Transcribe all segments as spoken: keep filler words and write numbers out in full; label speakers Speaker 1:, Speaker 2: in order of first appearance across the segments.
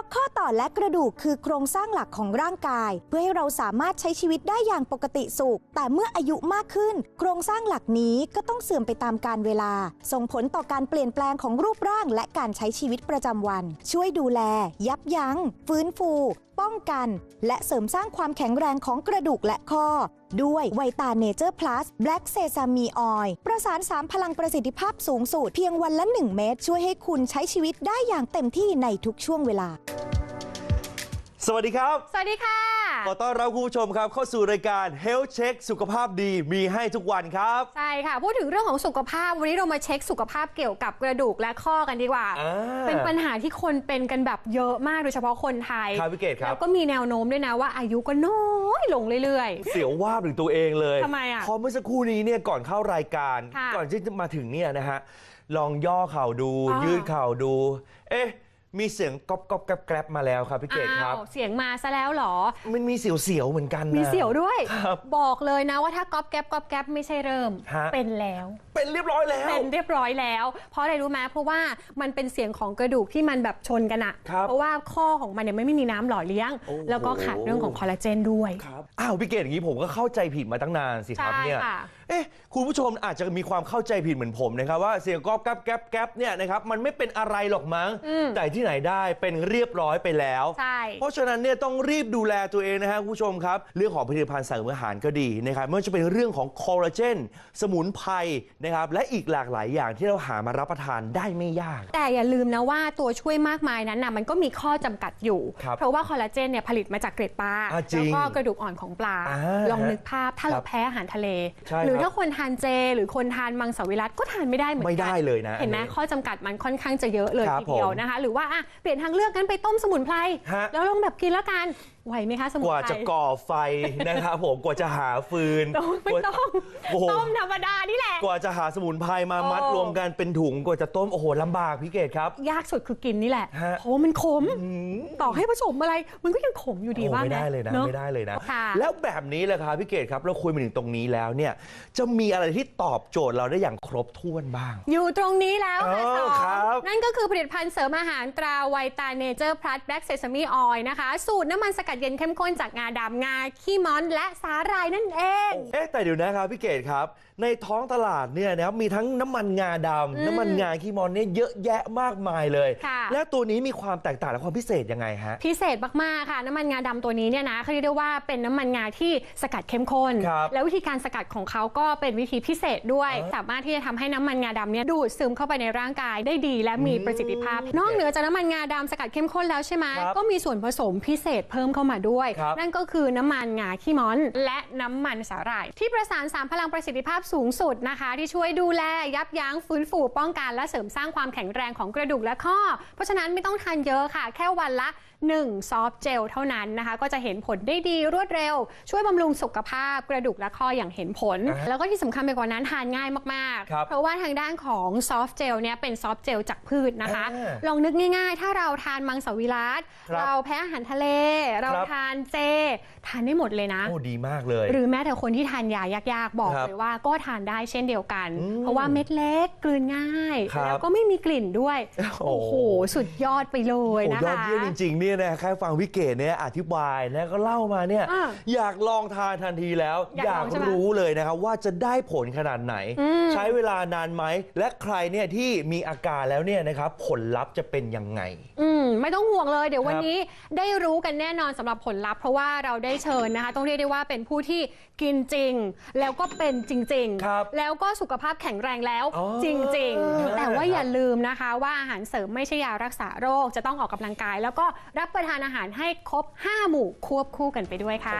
Speaker 1: ราะข้อต่อและกระดูกคือโครงสร้างหลักของร่างกายเพื่อให้เราสามารถใช้ชีวิตได้อย่างปกติสุขแต่เมื่ออายุมากขึ้นโครงสร้างหลักนี้ก็ต้องเสื่อมไปตามกาลเวลาส่งผลต่อการเปลี่ยนแปลงของรูปร่างและการใช้ชีวิตประจำวันช่วยดูแลยับยั้งฟื้นฟูป้องกันและเสริมสร้างความแข็งแรงของกระดูกและข้อด้วยไวตาเนเจอร์พลัสแบล็กเซซามีออยล์ประสานสามพลังประสิทธิภาพสูงสุดเพียงวันละหนึ่งเม็ดช่วยให้คุณใช้ชีวิตได้อย่างเต็มที่ในทุกช่วงเวลา
Speaker 2: สวัสดีครับ
Speaker 3: สวัสดีค่ะ
Speaker 2: ขอต้อนรับคุณผู้ชมครับเข้าสู่รายการ Health Check สุขภาพดีมีให้ทุกวันครับ
Speaker 3: ใช่ค่ะพูดถึงเรื่องของสุขภาพวันนี้เรามาเช็คสุขภาพเกี่ยวกับกระดูกและข้อกันดีกว่าเป็นปัญหาที่คนเป็นกันแบบเยอะมากโดยเฉพาะคนไทย
Speaker 2: ครับพี่เกศครับ
Speaker 3: แล้วก็มีแนวโน้มด้วยนะว่าอายุก็น้อยลงเรื่อย
Speaker 2: ๆเสียวว่าบถึงตัวเองเลย
Speaker 3: ทำไมอ่ะ
Speaker 2: พอเมื่อสักครู่นี้เนี่ยก่อนเข้ารายการก่อนที่จะมาถึงเนี่ยนะฮะลองย่อเข่าดูยืดเข่าดูเอ๊ะมีเสียงก๊อบก๊อบแกรบแกรบมาแล้วครับพี่เกศครับ
Speaker 3: เสียงมาซะแล้วเหรอ
Speaker 2: มันมีเสียวๆเหมือนกันนะ
Speaker 3: มีเสียวด้วยบอกเลยนะว่าถ้าก๊อบแกรบก๊อบแกรบไม่ใช่เริ่มเป็นแล้ว
Speaker 2: เป็นเรียบร้อยแล้ว
Speaker 3: เป็นเรียบร้อยแล้วเพราะอะไรรู้ไหมเพราะว่ามันเป็นเสียงของกระดูกที่มันแบบชนกันอะเพราะว่าข้อของมันเนี่ยไม่มีน้ำหล่อเลี้ยงแล้วก็ขาดเรื่องของคอลลาเจนด้วย
Speaker 2: อ้าวพี่เกศอย่างนี้ผมก็เข้าใจผิดมาตั้งนานสิครับเนี่ยเอ๊ะคุณผู้ชมอาจจะมีความเข้าใจผิดเหมือนผมนะครับว่าเสียงก๊อบแกรบแกรบแกรบเนี่ยนะครับมันไม่เป็นอะไรหรอกมั้งแต่ที่ไหนได้เป็นเรียบร้อยไปแล้วเพราะฉะนั้นเนี่ยต้องรีบดูแลตัวเองนะฮะคุณผู้ชมครับเรื่องของผลิตภัณฑ์เสริมอาหารก็ดีนะครับไม่ว่าจะเป็นเรื่องของคอลลาเจนสมุนไพรนะครับและอีกหลากหลายอย่างที่เราหามารับประทานได้ไม่ยาก
Speaker 3: แต่อย่าลืมนะว่าตัวช่วยมากมายนั้นนะมันก็มีข้อจำกัดอยู่เพราะว่าคอลลาเจนเนี่ยผลิตมาจากเกล็ดปลาแล้วก็กระดูกอ่อนของปลาลองนึกภาพถ้าเราแพ้อาหารทะเลหรือถ้าคนทานเจหรือคนทานมังสวิรัติก็ทานไม่ได้เหมือนกัน
Speaker 2: ไม่ได้เลยนะ
Speaker 3: เห็นไหมข้อจำกัดมันค่อนข้างจะเยอะเลยทีเดียวนะคะหรือว่าเปลี่ยนทางเลือกกันไปต้มสมุนไพรแล้วลองแบบกินแล้วกันไหวไหมคะสมุนไพร
Speaker 2: กว่าจะก่อไฟนะครับผมกว่าจะหาฟืน
Speaker 3: ไม่ต้องต้มธรรมดานี่แหละ
Speaker 2: กว่าจะหาสมุนไพรมามัดรวมกันเป็นถุงกว่าจะต้มโอ้โหลำบากพี่เกศครับ
Speaker 3: ยากสุดคือกินนี่แหละเพราะมันขมต่อให้ผสมอะไรมันก็ยังขมอยู่ดีว่า
Speaker 2: ไม่ได้เลยนะไม่ได้เลยนะแล้วแบบนี้แหละครับพี่เกศครับเราคุยมาถึงตรงนี้แล้วเนี่ยจะมีอะไรที่ตอบโจทย์เราได้อย่างครบถ้วนบ้าง
Speaker 3: อยู่ตรงนี้แล้วค่ะนั่นก็คือผลิตภัณฑ์เสริมอาหารตราไวตาเนเจอร์พลัสแบล็กเซซามีออยล์นะคะสูตรน้ำมันสกัดเย็นเข้มข้นจากงาดำงาขี้ม้อนและสาหร่ายนั่นเอง
Speaker 2: เอ๊ะแต่เดี๋ยวนะครับพี่เกศครับในท้องตลาดเนี่ยนะครับมีทั้งน้ำมันงาดำน้ำมันงาขี้ม้อนเนี่ยเยอะแยะมากมายเลยแล้วตัวนี้มีความแตกต่างและความพิเศษยังไงฮะ
Speaker 3: พิเศษมากๆค่ะน้ำมันงาดำตัวนี้เนี่ยนะเขาเรียกได้ว่าเป็นน้ำมันงาที่สกัดเข้มข้นแล้ววิธีการสกัดของเขาก็เป็นวิธีพิเศษด้วยสามารถที่จะทำให้น้ำมันงาดำเนี่ยดูดซึมเข้าไปในร่างกายได้ดีและมีประสิทธิภาพนอกเหนือจากน้ำมันงาดำสกัดเข้มข้นแล้วใช่ไหมก็มีส่วนผสมพิเศษเพิ่มเข้ามาด้วยนั่นก็คือน้ำมันงาขี้ม้อนและน้ำมันสาหร่ายที่ประสานสามพลังประสิทธิภาพสูงสุดนะคะที่ช่วยดูแลยับยั้งฟื้นฟูป้องกันและเสริมสร้างความแข็งแรงของกระดูกและข้อเพราะฉะนั้นไม่ต้องทานเยอะค่ะแค่วันละหนึ่งซอฟต์เจลเท่านั้นนะคะก็จะเห็นผลได้ดีรวดเร็วช่วยบำรุงสุขภาพกระดูกและข้ออย่างเห็นผลแล้วก็ที่สำคัญไปกว่านั้นทานง่ายมากๆเพราะว่าทางด้านของซอฟต์เจลเนี่ยเป็นซอฟต์เจลจากพืชนะคะลองนึกง่ายๆถ้าเราทานมังสวิรัติเราแพ้อาหารทะเลเราทานเจทานได้หมดเลยนะ
Speaker 2: โอ้ดีมากเลย
Speaker 3: หรือแม้แต่คนที่ทานยายากๆบอกเลยว่าก็ทานได้เช่นเดียวกันเพราะว่าเม็ดเล็กกลืนง่ายแล้วก็ไม่มีกลิ่นด้วยโอ้โหสุดยอดไปเลยนะคะ
Speaker 2: ยอดเยี่ยมจริงๆเนี่ยนะแค่ฟังวิเกตเนี่ยอธิบายนะก็เล่ามาเนี่ยอยากลองทานทันทีแล้วอยากรู้เลยนะครับว่าจะได้ผลขนาดไหนใช้เวลานานไหมและใครเนี่ยที่มีอาการแล้วเนี่ยนะครับผลลัพธ์จะเป็นยังไง
Speaker 3: อืมไม่ต้องห่วงเลยเดี๋ยววันนี้ได้รู้กันแน่นอนสำหรับผลลัพธ์เพราะว่าเราได้เชิญนะคะต้องเรียกได้ว่าเป็นผู้ที่กินจริงแล้วก็เป็นจริงๆแล้วก็สุขภาพแข็งแรงแล้วจริงๆแต่ว่าอย่าลืมนะคะว่าอาหารเสริมไม่ใช่ยารักษาโรคจะต้องออกกำลังกายแล้วก็รับประทานอาหารให้ครบห้าหมู่ควบคู่กันไปด้วยค่ะ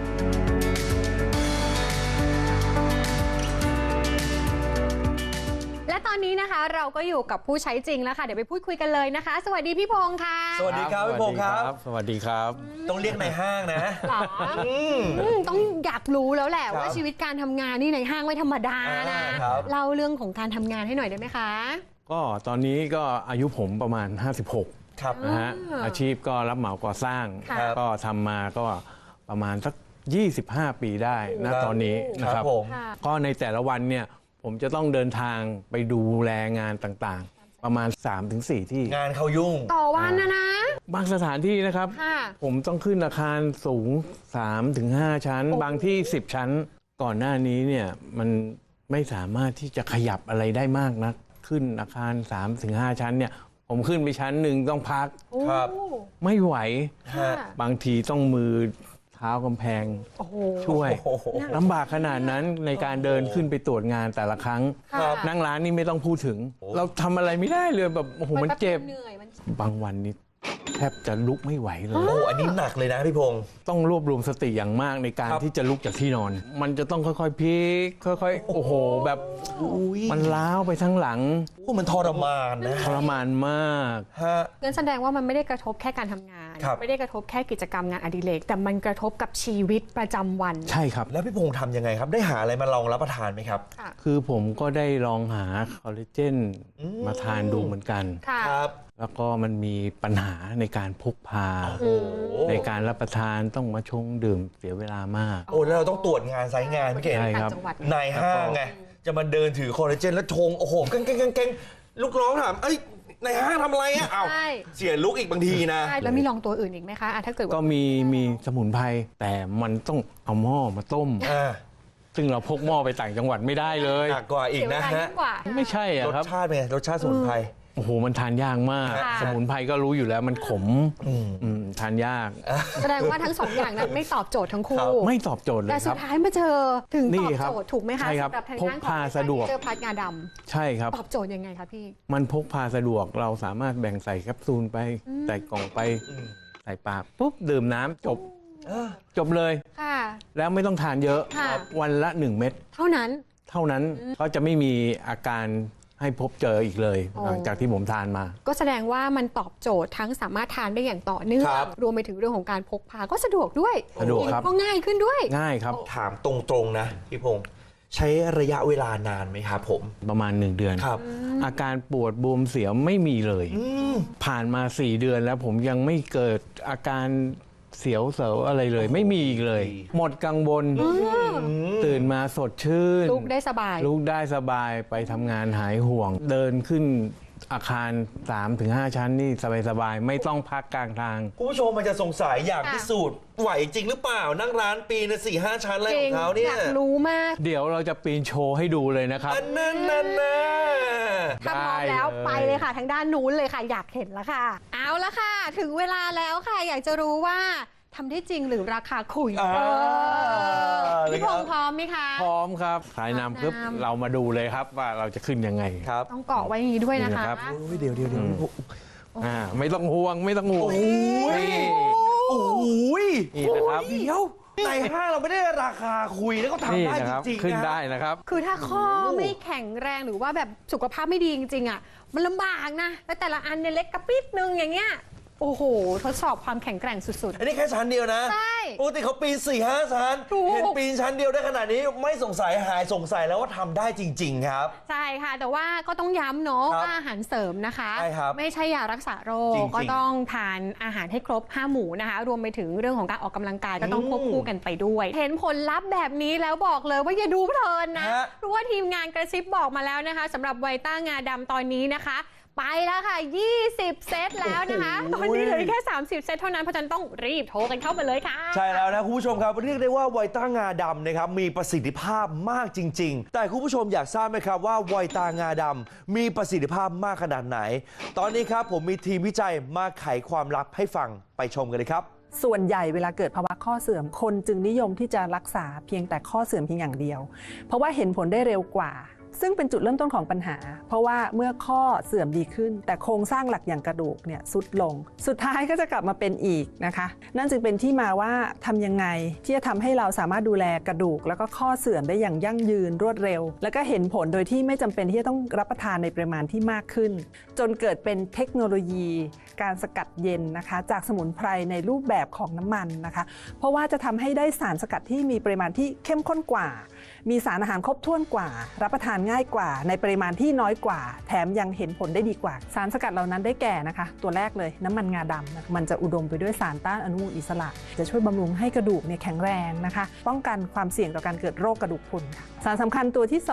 Speaker 3: และตอนนี้นะคะเราก็อยู่กับผู้ใช้จริงแล้วค่ะเดี๋ยวไปพูดคุยกันเลยนะคะสวัสดีพี่พงษ์ค่ะ
Speaker 2: สวัสดีครับพี่พงษ์ครับ
Speaker 4: สวัสดีครับ
Speaker 2: ต้องเรียกในห้างนะ
Speaker 3: ต้องอยากรู้แล้วแหละว่าชีวิตการทำงานนี่ในห้างไม่ธรรมดานะเล่าเรื่องของการทำงานให้หน่อยได้ไหมคะ
Speaker 4: ก็ตอนนี้ก็อายุผมประมาณห้าสิบหกนะฮะอาชีพก็รับเหมาก่อสร้างก็ทำมาก็ประมาณสักยี่สิบห้าปีได้นะตอนนี้นะครับก็ในแต่ละวันเนี่ยผมจะต้องเดินทางไปดูแลงานต่างๆประมาณ สามถึงสี่ ที่
Speaker 2: งานเขายุ่ง
Speaker 3: ต่อวันนะนะ
Speaker 4: บางสถานที่นะครับ ผมต้องขึ้นอาคารสูง สามถึงห้า ชั้น บางที่ สิบ ชั้น ก่อนหน้านี้เนี่ยมันไม่สามารถที่จะขยับอะไรได้มากนักขึ้นอาคาร สามถึงห้า ชั้นเนี่ยผมขึ้นไปชั้นหนึ่งต้องพัก
Speaker 2: ครับ
Speaker 4: ไม่ไหว
Speaker 2: ฮะ
Speaker 4: บางทีต้องมือเท้ากำแพงช่วย
Speaker 2: โอ้โห
Speaker 4: ลำบากขนาดนั้นในการเดินขึ้นไปตรวจงานแต่ละครั้ง
Speaker 2: ครับ
Speaker 4: นั่งร้านนี่ไม่ต้องพูดถึง เราทำอะไรไม่ได้เลยแบบโอ้โหมันเจ็บ บางวันนี่แทบจะลุกไม่ไหวเลย
Speaker 2: โอ้อันนี้หนักเลยนะพี่พงศ์
Speaker 4: ต้องรวบรวมสติอย่างมากในการ
Speaker 2: ครับ
Speaker 4: ที่จะลุกจากที่นอน มันจะต้องค่อยๆพลิกค่อยๆ โอ้โห แบบ
Speaker 2: อุ้ย
Speaker 4: มันล้าวไปทั้งหลัง
Speaker 2: โอ้มันทรมานนะ
Speaker 4: ทรมานมาก
Speaker 2: ฮะ
Speaker 3: งั้นแสดงว่ามันไม่ได้กระทบแค่การทำงาน
Speaker 2: ครับ
Speaker 3: ไม่ได้กระทบแค่กิจกรรมงานอดิเรกแต่มันกระทบกับชีวิตประจำวัน
Speaker 4: ใช่ครับ
Speaker 2: แล้วพี่พงศ์ทำยังไงครับ ได้หาอะไรมาลองรับประทานไหมครับ
Speaker 3: ค่ะ
Speaker 4: คือผมก็ได้ลองหาคอลลาเจน
Speaker 2: อืม
Speaker 4: มาทานดูเหมือนกัน
Speaker 3: ค่ะ
Speaker 2: ครับ
Speaker 4: แล้วก็มันมีปัญหาในการพกพา
Speaker 2: โอ้
Speaker 4: ในการรับประทานต้องมาชงดื่มเสียเวลามาก
Speaker 2: โอ้แล้วเราต้องตรวจงานไซต์งานพี่เก่ง
Speaker 4: ใช่ครับ
Speaker 3: ต่างจังหวัด
Speaker 2: นายห้างไง จะมาเดินถือคอลลาเจนแล้วชง โอ้โหเก่งเก่งเก่งลูกน้องถาม เอ้ยนายห้างทำอะไรอ่ะอ้าว
Speaker 3: ใช่
Speaker 2: เสียลุกอีกบางทีนะ
Speaker 3: ใช่แล้วมีลองตัวอื่นอีกไหมคะอ่ะถ้าเกิดว่า
Speaker 4: ก็มีมีสมุนไพรแต่มันต้องเอาหม้อมาต้ม
Speaker 2: อ่า
Speaker 4: ซึ่งเราพกหม้อไปต่างจังหวัดไม่ได้เลย
Speaker 2: หนักกว่าอีก
Speaker 3: เสียเว
Speaker 2: นะ
Speaker 3: ลา
Speaker 2: ฮะ
Speaker 3: ยิ่งกว่า
Speaker 4: ไม่ใช่
Speaker 2: ร
Speaker 4: อะ
Speaker 2: ส
Speaker 4: ครับ
Speaker 2: ชาติเป็นไงรสชาติสมุนไพร
Speaker 4: โอ้โห มันทานยากมาก
Speaker 2: ค่ะ
Speaker 4: สมุนไพรก็รู้อยู่แล้วมันขม
Speaker 2: อืม
Speaker 4: อืมทานยาก
Speaker 3: แสดงว่าทั้งสองอย่างนั้นไม่ตอบโจทย์ทั้งคู่
Speaker 2: ครับ
Speaker 4: ไม่ตอบโจทย์เล
Speaker 3: แต่
Speaker 4: ยค
Speaker 3: สุ
Speaker 4: รั
Speaker 3: ด
Speaker 4: บ
Speaker 3: ท้ายมาเจอถึง
Speaker 4: นี่
Speaker 3: ตอบ
Speaker 4: ครับ
Speaker 3: โจทย์ถูกไหมคะ
Speaker 4: ใช่ครับ
Speaker 3: สำหรับทาง
Speaker 4: พก
Speaker 3: ด้านของ
Speaker 4: พาสะดวก
Speaker 3: เจอพัดงาด
Speaker 4: ใช่ครับ
Speaker 3: ำตอบโจทย์ยังไงคะพี่
Speaker 4: มันพกพาสะดวกเราสามารถแบ่งใส่แคปซูลไป ใส่กล่องไป
Speaker 2: อืม
Speaker 4: ใส่ปากปุ๊บดื่มน้ำจบ
Speaker 2: เออ
Speaker 4: จบเลย
Speaker 3: ค่ะ
Speaker 4: แล้วไม่ต้องทานเยอะ
Speaker 3: ค่ะ
Speaker 4: วันละหนึ่งเม็ด
Speaker 3: เท่านั้น
Speaker 4: เท่านั้นก็จะไม่มีอาการให้พบเจออีกเลย
Speaker 3: โอ้
Speaker 4: หลังจากที่ผมทานมา
Speaker 3: ก็แสดงว่ามันตอบโจทย์ทั้งสามารถทานได้อย่างต่อเนื่อง
Speaker 2: ครับ
Speaker 3: รวมไปถึงเรื่องของการพกพาก็สะดวกด้วย
Speaker 4: สะดวกครับ
Speaker 3: ก็ง่ายขึ้นด้วย
Speaker 4: ง่ายครับ
Speaker 2: ถามตรงๆนะพี่พงศ์ใช้ระยะเวลานานไหมครับผม
Speaker 4: ประมาณหนึ่งเดือน
Speaker 2: ครับ
Speaker 4: อาการปวดบวมเสียวไม่มีเลย
Speaker 2: อืม
Speaker 4: ผ่านมาสี่เดือนแล้วผมยังไม่เกิดอาการเสียวเสวอะไรเลย ไม่มีอีกเลย หมดกังวลตื่นมาสดชื่น
Speaker 3: ลูกได้สบาย
Speaker 4: ลูกได้สบายไปทำงานหายห่วง เดินขึ้นอาคาร สามถึงห้า ชั้นนี่สบายๆไม่ต้องพักกลางทาง
Speaker 2: คุณผู้ชมมันจะสงสัยอยาก
Speaker 3: ค่ะ
Speaker 2: พิสูจน์ไหวจริงหรือเปล่า นั่งร้านปีนะสี่ห้าชั้นอะไร
Speaker 3: จ
Speaker 2: ข
Speaker 3: ริ
Speaker 2: อง งเขาเนี่
Speaker 3: อย ยากรู้มาก
Speaker 4: เดี๋ยวเราจะปีนโชว์ให้ดูเลยนะครับ
Speaker 2: อันนั้นนั่นนะ
Speaker 3: ถ้าพร้อมแล้วไปเลยค่ะ ทางด้านนู้นเลยค่ะ อยากเห็นแล้วค่ะ เอาละค่ะ ถึงเวลาแล้วค่ะ อยากจะรู้ว่าทำได้จริงหรือราคาขุย
Speaker 2: อ่า
Speaker 3: เออ
Speaker 2: เลย
Speaker 3: พี่
Speaker 2: ค
Speaker 3: พ
Speaker 2: รับ
Speaker 3: งษ์พร้อมไหมคะ
Speaker 4: พร้อมครับสายนำปุ๊บ
Speaker 3: สายนำ
Speaker 4: เรามาดูเลยครับว่าเราจะขึ้นยังไง
Speaker 2: ครับ
Speaker 3: ต้องเกาะไว้อย่างนี้ด้วยนะคะ
Speaker 4: นี่นะครับ
Speaker 2: โอ้ยเดี๋ยวเดี๋ยวเดี๋ยว
Speaker 4: อ่าไม่ต้องห่วงไม่ต้องห่วง
Speaker 2: โอ้ย
Speaker 4: นี่
Speaker 2: โอ้ย
Speaker 4: นี่นะครับ
Speaker 2: เดี๋ยวในห้างเราไม่ได้ราคาคุยแล้วก็ทำ
Speaker 4: นี่
Speaker 2: ได้
Speaker 4: นะ
Speaker 2: จ
Speaker 4: ครับ
Speaker 2: ริงๆ
Speaker 4: ขึ้น
Speaker 2: นะ
Speaker 4: ได้นะครับ
Speaker 3: คือถ้าข้อไม่แข็งแรงหรือว่าแบบสุขภาพไม่ดีจริงๆอ่ะมันลำบากนะ แล้วแต่ละอันเนี่ยเล็กกระปิดนึงอย่างเงี้ยโอ้โห ทดสอบความแข็งแกร่งสุด
Speaker 2: อันนี้แค่ชั้นเดียวนะ
Speaker 3: ใช่
Speaker 2: ปกติเขาปีนสี่ห้าชั้น
Speaker 3: ถูก
Speaker 2: เห็นปีนชั้นเดียวได้ขนาดนี้ไม่สงสัยหายสงสัยแล้วว่าทำได้จริง ๆ ครับ
Speaker 3: ๆ ใช่ค่ะ แต่ว่าก็ต้องย้ำเนาะ
Speaker 2: ครับ
Speaker 3: ว่าอาหารเสริมนะคะ
Speaker 2: ใช่ครับ
Speaker 3: ไม่ใช่ยารักษาโร
Speaker 2: จริ
Speaker 3: ค
Speaker 2: งๆ
Speaker 3: ก็ต้องทานอาหารให้ครบห้าหมู่นะคะ รวมไปถึงเรื่องของการออกกำลังกายก็ต้องควบคู่กันไปด้วย เห็นผลลัพธ์แบบนี้แล้วบอกเลยว่าอย่าดูเพลินนะ
Speaker 2: ฮะ
Speaker 3: เพราะว่าทีมงานกระซิบบอกมาแล้วนะคะสำหรับไวต้างาดำตอนนี้นะคะ ไปแล้วค่ะ ยี่สิบ เซตแล้วนะคะ ตอนนี้เหลือแค่ สามสิบ เซตเท่านั้น เพราะฉะนั้นต้องรีบโทรกันเข้ามาเลยค่ะ
Speaker 2: ใช่แล้วนะคุณผู้ชมครับเรียกได้ว่าไวต้างาดำนะครับมีประสิทธิภาพมากจริง ๆ แต่คุณผู้ชมอยากทราบไหมครับว่าไวต้างาดำมีประสิทธิภาพมากขนาดไหน ตอนนี้ครับผมมีทีมวิจัยมาไขความลับให้ฟังไปชมกันเลยครับ
Speaker 5: ส่วนใหญ่เวลาเกิดภาวะข้อเสื่อมคนจึงนิยมที่จะรักษาเพียงแต่ข้อเสื่อมเพียงอย่างเดียว เพราะว่าเห็นผลได้เร็วกว่า ซึ่งเป็นจุดเริ่มต้นของปัญหา เพราะว่าเมื่อข้อเสื่อมดีขึ้น แต่โครงสร้างหลักอย่างกระดูกเนี่ยทรุดลง สุดท้ายก็จะกลับมาเป็นอีกนะคะ นั่นจึงเป็นที่มาว่าทำยังไงที่จะทำให้เราสามารถดูแลกระดูก แล้วก็ข้อเสื่อมได้อย่างยั่งยืนรวดเร็ว แล้วก็เห็นผลโดยที่ไม่จำเป็นที่จะต้องรับประทานในปริมาณที่มากขึ้น จนเกิดเป็นเทคโนโลยี การสกัดเย็นนะคะจากสมุนไพรในรูปแบบของน้ำมันนะคะ เพราะว่าจะทำให้ได้สารสกัดที่มีปริมาณที่เข้มข้นกว่า มีสารอาหารครบถ้วนกว่า รับประทานง่ายกว่า ในปริมาณที่น้อยกว่า แถมยังเห็นผลได้ดีกว่า สารสกัดเหล่านั้นได้แก่นะคะ ตัวแรกเลยน้ำมันงาดำนะมันจะอุดมไปด้วยสารต้านอนุมูลอิสระ จะช่วยบำรุงให้กระดูกเนี่ยแข็งแรงนะคะ ป้องกันความเสี่ยงต่อการเกิดโรคกระดูกพรุนค่ะสารสำคัญตัวที่สอง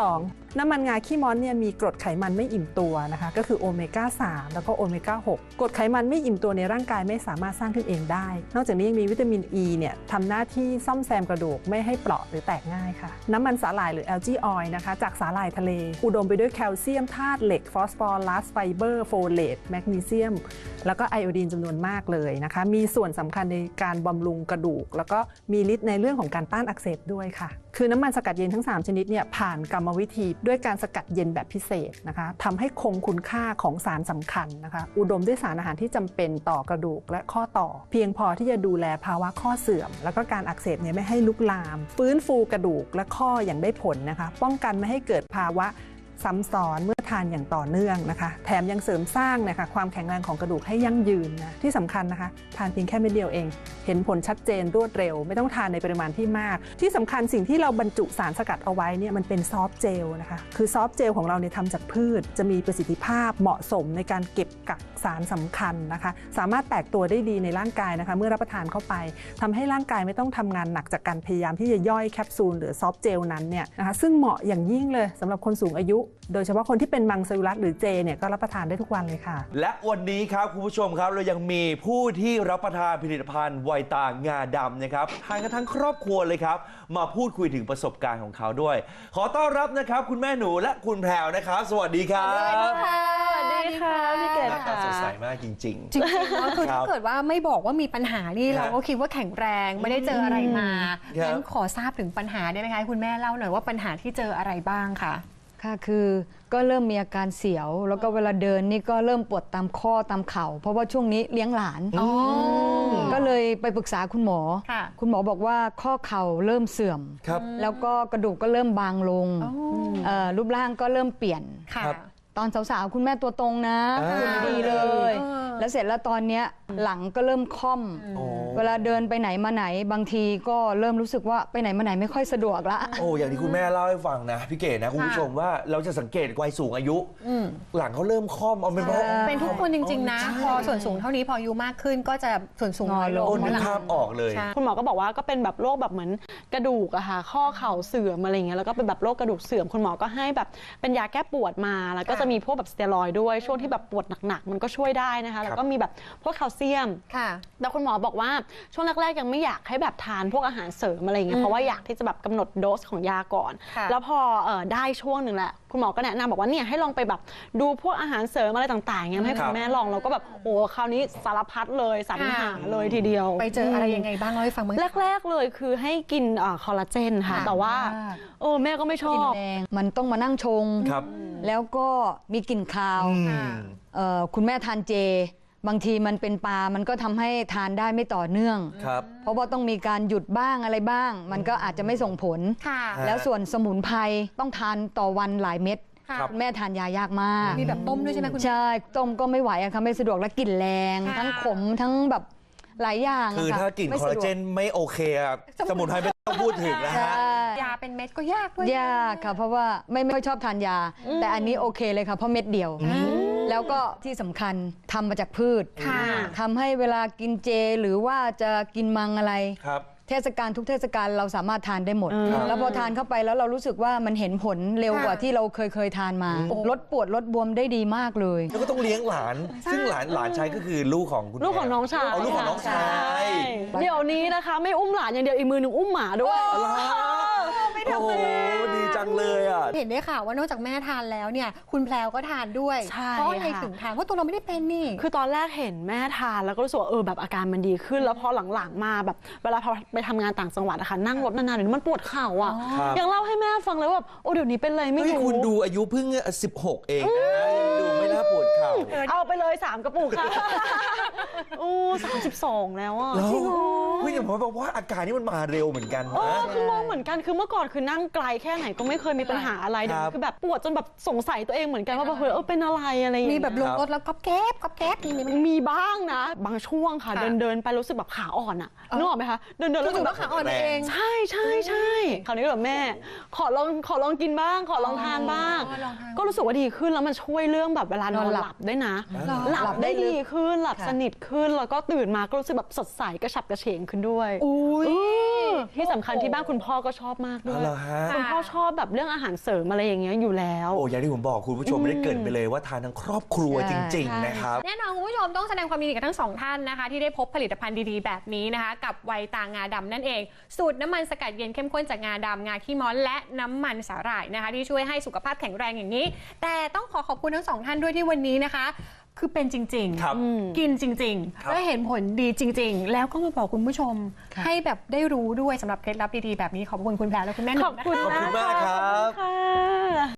Speaker 5: น้ำมันงาขี้ม้อนเนี่ยมีกรดไขมันไม่อิ่มตัวนะคะก็คือโอเมก้าสามแล้วก็โอเมก้าหกกรดไขมันไม่อิ่มตัวในร่างกายไม่สามารถสร้างขึ้นเองได้นอกจากนี้ยังมีวิตามิน E เนี่ยทำหน้าที่ซ่อมแซมกระดูกไม่ให้เปราะหรือแตกง่ายค่ะน้ำมันสาหร่ายหรือแอลจีออยล์นะคะจากสาหร่ายทะเลอุดมไปด้วยแคลเซียมธาตุเหล็กฟอสฟอรัสไฟเบอร์โฟเลตแมกนีเซียมแล้วก็ไอโอดีนจำนวนมากเลยนะคะมีส่วนสำคัญในการบำรุงกระดูกแล้วก็มีฤทธิ์ในเรื่องของการต้านอักเสบด้วยค่ะคือน้ำมันสกัดเย็นทั้งสามชนิดเนี่ยผ่านกรรมวิธีด้วยการสกัดเย็นแบบพิเศษนะคะทำให้คงคุณค่าของสารสำคัญนะคะอุดมด้วยสารอาหารที่จำเป็นต่อกระดูกและข้อต่อเพียงพอที่จะดูแลภาวะข้อเสื่อมแล้วก็การอักเสบเนี่ยไม่ให้ลุกลามฟื้นฟูกระดูกและข้ออย่างได้ผลนะคะป้องกันไม่ให้เกิดภาวะซ้ำซ้อนเมื่อทานอย่างต่อเนื่องนะคะแถมยังเสริมสร้างนะคะความแข็งแรงของกระดูกให้ยั่งยืนนะที่สำคัญนะคะทานเพียงแค่เม็ดเดียวเองเห็นผลชัดเจนรวดเร็วไม่ต้องทานในปริมาณที่มากที่สำคัญสิ่งที่เราบรรจุสารสกัดเอาไว้เนี่ยมันเป็นซอฟต์เจลนะคะคือซอฟต์เจลของเราเนี่ยทำจากพืชจะมีประสิทธิภาพเหมาะสมในการเก็บกักสารสำคัญนะคะสามารถแตกตัวได้ดีในร่างกายนะคะเมื่อรับประทานเข้าไปทำให้ร่างกายไม่ต้องทำงานหนักจากการพยายามที่จะย่อยแคปซูลหรือซอฟต์เจลนั้นเนี่ยนะคะซึ่งเหมาะอย่างยิ่งเลยสำหรับคนสูงอายุโดยเฉพาะคนที่เป็นมังสวิรัติหรือเจเนี่ยก็รับประทานได้ทุกวันเลยค่ะ
Speaker 2: และวันนี้ครับคุณผู้ชมครับเรายังมีผู้ที่รับประทานผลิตภัณฑ์ไวตางาดำนะครับทานกันทั้งครอบครัวเลยครับมาพูดคุยถึงประสบการณ์ของเขาด้วยขอต้อนรับนะครับคุณแม่หนูและคุณแพรวนะครับสวัสดีครับ
Speaker 6: สวัสดีค่ะพี่เกศ
Speaker 2: หน้าตาสดใสมากจริงๆ
Speaker 3: จริงๆแล้วคือถ้าเกิดว่าไม่บอกว่ามีปัญหานี่เราก็คิดว่าแข็งแรงไม่ได้เจออะไรมางั้นขอทราบถึงปัญหาได้ไหมคะคุณแม่เล่าหน่อยว่าปัญหาที่เจออะไรบ้างค่ะ
Speaker 6: ค่ะคือก็เริ่มมีอาการเสียวแล้วก็เวลาเดินนี่ก็เริ่มปวดตามข้อตามเข่าเพราะว่าช่วงนี้เลี้ยงหลานก็เลยไปปรึกษาคุณหมอคุณหมอบอกว่าข้อเข่าเริ่มเสื่อมแล้วก็กระดูกก็เริ่มบางลงรูปร่างก็เริ่มเปลี่ยนตอนสาวๆคุณแม่ตัวตรงนะคุณดีเลยแล้วเสร็จแล้วตอนนี้หลังก็เริ่มค่อมเวลาเดินไปไหนมาไหนบางทีก็เริ่มรู้สึกว่าไปไหนมาไหนไม่ค่อยสะดวกละ
Speaker 2: โอ้อย่างที่คุณแม่เล่าให้ฟังนะพี่เก๋นะคุณผู้ชมว่าเราจะสังเกตวัยสูงอายุหลังเขาเริ่มค่อมเอาเป็นเพราะ
Speaker 3: เป็นทุกคนจริงๆนะพอส่วนสูงเท่านี้พออายุมากขึ้นก็จะส่วนสูงน้อยลง
Speaker 2: นึกภาพออกเลย
Speaker 7: คุณหมอก็บอกว่าก็เป็นแบบโรคแบบเหมือนกระดูกอะค่ะข้อเข่าเสื่อมอะไรเงี้ยแล้วก็เป็นแบบโรคกระดูกเสื่อมคุณหมอก็ให้แบบเป็นยาแก้ปวดมาแล้วก็จะมีพวกแบบสเตียรอยด์ด้วยช่วงที่แบบปวดหนักๆมันก็ช่วยได้นะคะแล้วก็มีแบบพวกแคลเซียมแต่คุณหมอบอกว่าช่วงแรกๆยังไม่อยากให้แบบทานพวกอาหารเสริมอะไรเงี้ยเพราะว่าอยากที่จะแบบกำหนดโดสของยาก่อนแล้วพอได้ช่วงหนึ่งแหละคุณหมอก็แนะนำบอกว่าเนี่ยให้ลองไปแบบดูพวกอาหารเสริมอะไรต่างๆเงี้ยให้คุณแม่ลองเราก็แบบโอ้คราวนี้สารพัดเลยสรรหาเลยทีเดียว
Speaker 3: ไปเจออะไรยังไงบ้างเล่าให้ฟังมั้ย
Speaker 7: แรกๆเลยคือให้กินคอลลาเจนค่ะแต่ว่าโอ้แม่ก็ไม่ชอบ
Speaker 6: มันต้องมานั่งชงแล้วก็มีกลิ่นคาวคุณแม่ทานเจบางทีมันเป็นปลามันก็ทำให้ทานได้ไม่ต่อเนื่องเพราะว่าต้องมีการหยุดบ้างอะไรบ้างมันก็อาจจะไม่ส่งผลแล้วส่วนสมุนไพรต้องทานต่อวันหลายเม็ดคุณแม่ทานยายากมาก
Speaker 3: มีแบบต้มด้วยใช่ไหมคุณ
Speaker 6: ใช่ต้มก็ไม่ไหวอะค่ะไม่สะดวกและกลิ่นแรงทั้งขมทั้งแบบหลายอย่าง
Speaker 2: คือถ้ากลิ่นคอลลาเจนไม่โอเคอะสมุนไพรไม่ต้องพูดถึงนะฮะ
Speaker 3: ยาเป็นเม็ดก็ยากด้วย
Speaker 6: ยากค่ะเพราะว่าไม่ไม่ชอบทานยาแต่อันนี้โอเคเลยค่ะเพราะเม็ดเดียวแล้วก็ที่สำคัญทำมาจากพืชทำให้เวลากินเจหรือว่าจะกินมังอะไรเทศกาลทุกเทศกาลเราสามารถทานได้หมดแล้วพอทานเข้าไปแล้วเรารู้สึกว่ามันเห็นผลเร็วกว่าที่เราเคยเคยทานมาลดปวดลดบวมได้ดีมากเลย
Speaker 2: แล้วก็ต้องเลี้ยงหลานซึ่งหลานหลานชายก็คือลูกของคุณ
Speaker 7: ลูกของน้องชาย
Speaker 2: เอาลูกของน้องชาย
Speaker 7: เดี๋ยวนี้นะคะไม่อุ้มหลานอย่างเดียวอีกมือหนึ่งอุ้มหมาด้วย
Speaker 2: ไม่ทำเลยดีจังเลยอ่ะ
Speaker 3: เห็นได้ข่าวว่านอกจากแม่ทานแล้วเนี่ยคุณแพรวก็ทานด้วยเพราะอะไรถึงทานเพราะตัวเราไม่ได้เป็นนี่
Speaker 7: คือตอนแรกเห็นแม่ทานแล้วก็รู้สึกว่าเออแบบอาการมันดีขึ้นแล้วพอหลังๆมาแบบเวลาไปทำงานต่างจังหวัดนะคะนั่งรถนานๆเดี๋ยวมันปวดเข่าอ่ะยังเล่าให้แม่ฟังเลยว่าโอ้เดี๋ยวนี้เป็นอะไรไม่รู้
Speaker 2: คุณดูอายุเพิ่งสิบหกเองดูไม่น่าปวดเข่า
Speaker 7: เอาไปเลยสามกระปุกค่ะโอ้สามสิบสองแล้วอ่ะ
Speaker 2: จริงเหรอพี่อย่างผมบอกว่าอาการนี้มันมาเร็วเหมือนกัน
Speaker 7: นะคือมองเหมือนกันคือเมื่อก่อนคือนั่งไกลแค่ไหนก็ไม่เคยมีปัญหาอะไรเดี๋ยวคือแบบปวดจนแบบสงสัยตัวเองเหมือนกันว่าเฮ้ยเออเป็นอะไรอะไร
Speaker 3: มีแบบลงรถแล้วก๊อบแก๊บก๊อบแก๊บ
Speaker 7: มันมีบ้างนะบางช่วงค่ะเดินเดินไปรู้สึกแบบขาอ่อนอ่ะนึกออกไหมคะเดินเดิน
Speaker 3: แล้วแบบขาอ่อนเอง
Speaker 7: ใช่ใช่ใช่คราวนี้แบบแม่ขอลองขอลองกินบ้างขอลองทานบ้างก็รู้สึกว่าดีขึ้นแล้วมันช่วยเรื่องแบบเวลานอนหลับด้วยนะ หลับได้ดีขึ้นหลับสนิทขึ้นแล้วก็ตื่นมาก็รู้สึกแบบสดใสกระฉับกระเฉงขึ้นด้วยที่สำคัญที่บ้านคุณพ่อก็ชอบมากด้วยคุณพ่อชอบแบบเรื่องอาหารเสริมอะไรอย่างเงี้ยอยู่แล้ว
Speaker 2: โอ้อย่างที่ผมบอกคุณผู้ชมไม่ได้เกริ่นไปเลยว่าทานทั้งครอบครัวจริงๆนะครับ
Speaker 3: แน่นอนคุณผู้ชมต้องแสดงความยินดีกับทั้งสองท่านนะคะที่ได้พบผลิตภัณฑ์ดีๆแบบนี้นะคะกับไวตางาดำนั่นเองสูตรน้ำมันสกัดเย็นเข้มข้นจากงาดำงาขี้ม้อนและน้ำมันสาหร่ายนะคะที่ช่วยให้สุขภาพแข็งแรงอย่างนี้แต่ต้องขอขอบคุณทั้งสองท่านด้วยที่วันนี้นะคะคือเป็นจริงๆกินจริงๆและเห็นผลดีจริงๆแล้วก็มาบอกคุณผู้ชมให้แบบได้รู้ด้วยสำหรับเคล็ดลับดีๆแบบนี้ขอบคุณคุณแพรและคุณแม่หนุ่มนะคะ
Speaker 2: ขอบคุณมากครับ